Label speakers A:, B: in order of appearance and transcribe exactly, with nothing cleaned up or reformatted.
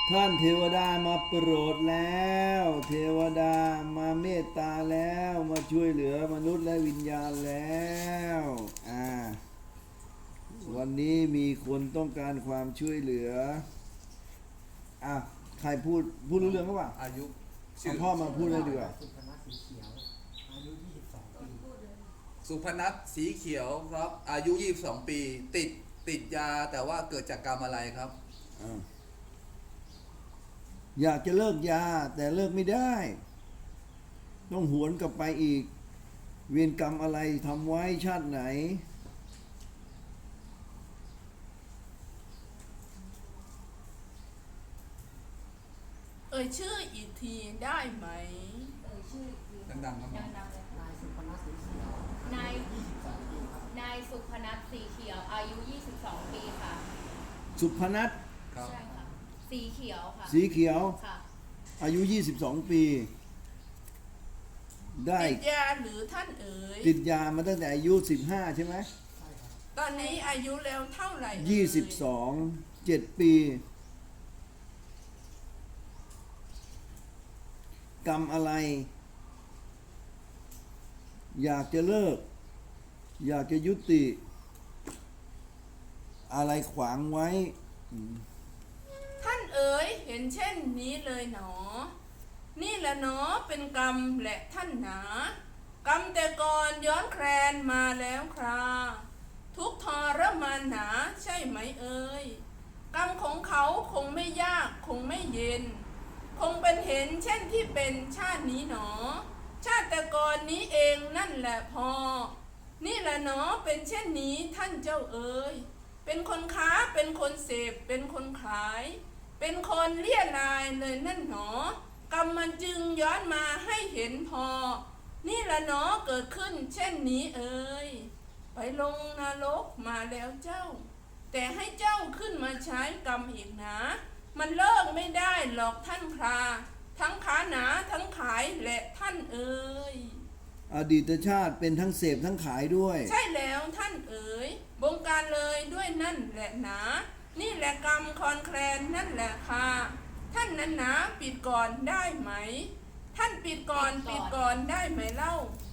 A: ท่านเทวดามาโปรดแล้ว เทวดามาเมตตาแล้วมาช่วยเหลือมนุษย์และวิญญาณแล้วอ่าวันนี้มีคนต้องการความช่วยเหลืออ่ะใครพูดพูดรู้เรื่องหรือเปล่า
B: อายุ
A: เอาพ่อมาพูดเลยดีกว่า
C: สุพนัสสีเขียวอายุยี่สิบสองปี
B: สุพนัทสีเขียวครับ อายุยี่สิบสองปี ติดติดยาแต่ว่าเกิดจากกรรมอะไรครับ
A: อ่าอยากจะเลิกยาแต่เลิกไม่ได้ ต้องหวนกลับไปอีก เวรกรรมอะไรทำไว้ชาติไหน
D: เอ่ยชื่ออีกทีได้ไหม
E: เอ่ยชื่ออีกที
B: ดังๆครับ
E: ดังๆเลยค่ะ
C: นายสุพนัสสีเขียว
E: นาย
C: ยี่สิบสองปีครับ
E: นายสุพนัทสีเขียว อายุ ยี่สิบสอง ปีค่ะ
A: สุพนัท
B: ครับ
E: ใช่ค่ะ สีเขียวค่ะ
A: สีเขียว
E: ค่ะ
A: อายุยี่สิบสองปี ได้
D: ติดยาหรือท่านเอ๋ย
A: ติดยามาตั้งแต่อายุสิบห้าใช่ไหม
C: ใช่ครับ
D: ตอนนี้อายุแล้วเท่าไหร่เอ่
A: ยี่สิบสองเจ็ดปี กรรมอะไร อยากจะเลิก อยากจะยุติ อะไรขวางไว้อืม
D: ท่านเอ๋ยเห็นเช่นนี้เลยหนอ นี่แหละหนอเป็นกรรมและท่านหนา กรรมแต่ก่อนย้อนแคลนมาแล้วครา ทุกข์ทรมานหนาใช่ไหมเอ่ย กรรมของเขาคงไม่ยากคงไม่เย็น คงเป็นเห็นเช่นที่เป็นชาตินี้หนอ ชาติแต่ก่อนนี้เองนั่นแหละพอ นี่แหละหนอเป็นเช่นนี้ท่านเจ้าเอ๋ย เป็นคนค้าเป็นคนเสพเป็นคนขาย เป็นคนเลี่ยรายเลยนั่นหนอกรรมมันจึงย้อนมาให้เห็นพอ นี่แหละหนอเกิดขึ้นเช่นนี้เอ่ย ไปลงนรกมาแล้วเจ้า แต่ให้เจ้าขึ้นมาใช้กรรมอีกนะ มันเลิกไม่ได้หรอกท่านครา ทั้งขาหนาทั้งขายและท่านเอ่ย
A: อดีตชาติเป็นทั้งเสพทั้งขายด้วย
D: ใช่แล้วท่านเอ๋ยบงการเลยด้วยนั่นแหละหนา นี่แหละกรรมคอนแคลนนั่นแหละค่ะท่านนั้นหนาปิดก่อนได้ไหม ท่านปิดก่อนปิดก่อนได้ไหมเล่า
E: ไ